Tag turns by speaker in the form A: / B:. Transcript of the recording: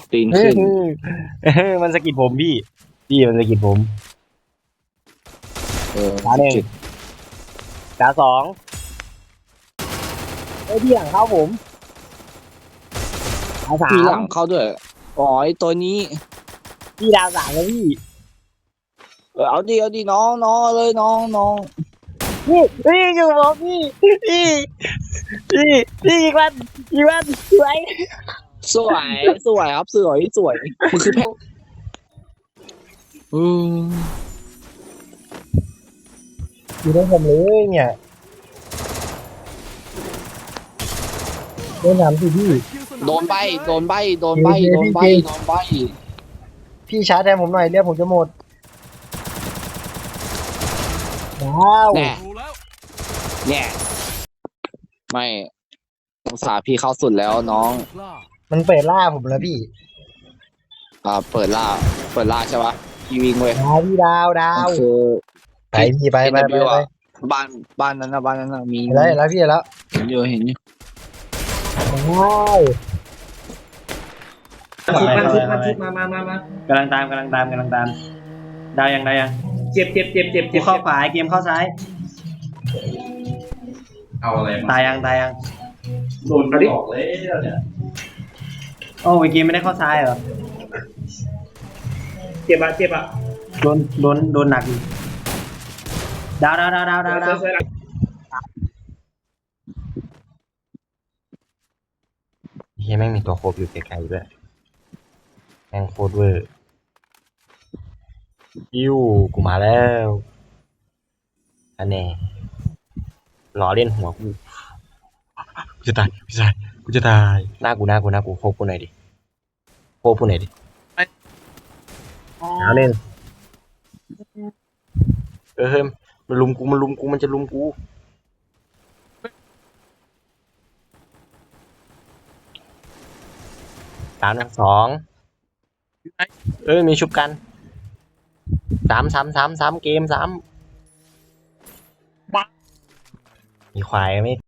A: ตีน
B: เฮ้
A: ขึ้
B: ย
A: น
B: มันสะกิดผมพี่มันสะกิดผม ดาวหนึ่ง
A: จิต
B: ดาวสองเฮ้ยพี่หลังเข้าผมดาวสา
A: มีหลั
B: ม
A: งเข้าด้วยอ๋อไอตัวนี้
B: พี่ดาวสามแล้วพี่
A: เอาดิน้องเลยน้อง
B: พี่อยู่ผมพี่อีกวันสวย
A: สวยครับสวยมันคือแพ้อืม
B: อยู่ในผมเลยเนี่ยโดนถามสิพี่
A: โดนใบ
B: พี่ชาร์จแทนผมหน่อยเรียกผมจะหมดว้าว
A: แน่เนี่ยไม่สงสารพี่เข้าสุดแล้วน้อง
B: มันเปิดล่าผมแล้วพี่
A: เปิดล่าใช่ปะพี่วิ่งเว้ย
B: พี่ดาว
A: คือ
B: ไปพี่ไป
A: NW อะบ้านนั้นนะมี
B: แล้วพี่แล้ว
A: เห็นอยู่
B: ว้าว
C: ชุบมาก
B: ำลังตามดาวยัง
C: เจ็บ
B: กูเข้าขวาเกมเข้าซ้าย
C: เอาอะไรมา
B: ตายยัง
C: โดนออกเลยเนี่ย
B: โอ้เกมไม่ได้เข้าซ้ายเหรอ
C: เจ็บอ่ะ
B: โดนหนักอยู่ดาว
C: สวย
B: เฮียแม่งมีตัวโคบอยู่ไกลๆด้วยแม่งโคตรเวอร์กูมาแล้วอันแน่ล้อเล่นหัวกูจะตายพี่ชายกูจะตายหน้ากูโคบกูหน่อยดิเอาเล่นเฮ้ยมันลุมกูมันจะลุมกูสามหนึ่งสองมีชุบกันสามเกม3มีควายไม่